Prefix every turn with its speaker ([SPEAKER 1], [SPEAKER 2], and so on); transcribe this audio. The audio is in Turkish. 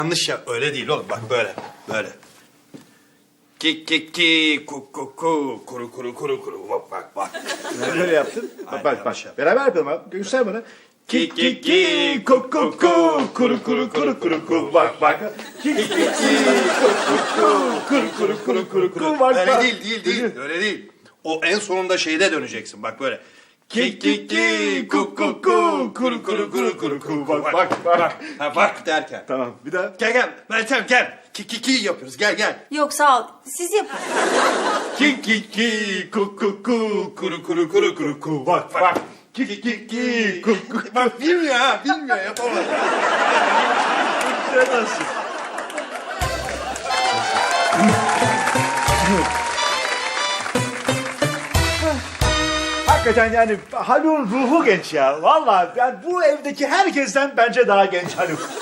[SPEAKER 1] Yanlış ya, öyle değil oğlum, bak böyle, böyle. Ki ki ki ku ku ku kuru kuru kuru kuru bak bak.
[SPEAKER 2] Böyle yaptın.
[SPEAKER 1] Aynen,
[SPEAKER 2] Bak
[SPEAKER 1] yanlış yaptım.
[SPEAKER 2] Beraber yapalım abi. Göster bana. Ki ki ki ku ku ku kuru kuru kuru kuru ku bak bak. Ki ki ki ku ku ku kuru kuru kuru kuru kuru bak
[SPEAKER 1] Öyle
[SPEAKER 2] bak.
[SPEAKER 1] değil, öyle değil. O en sonunda şeyde döneceksin, bak böyle. Ki ki ki ku ku ku kuru kuru kuru kuru ku
[SPEAKER 2] Bak bak bak.
[SPEAKER 1] Ha bak derken.
[SPEAKER 2] Tamam bir daha.
[SPEAKER 1] Gel Meltem gel. Ki ki ki yapıyoruz, gel.
[SPEAKER 3] Yok sağ ol. Siz yapın.
[SPEAKER 2] Ki ki ki ku ku ku kuru kuru kuru kuru ku bak bak. Ki ki ki ku ku.
[SPEAKER 1] Bak bilmiyor ha, bilmiyor, yapamadı.
[SPEAKER 2] Nasıl? Hakikaten yani Haluk'un ruhu genç ya. Vallahi yani bu evdeki herkesten bence daha genç Haluk.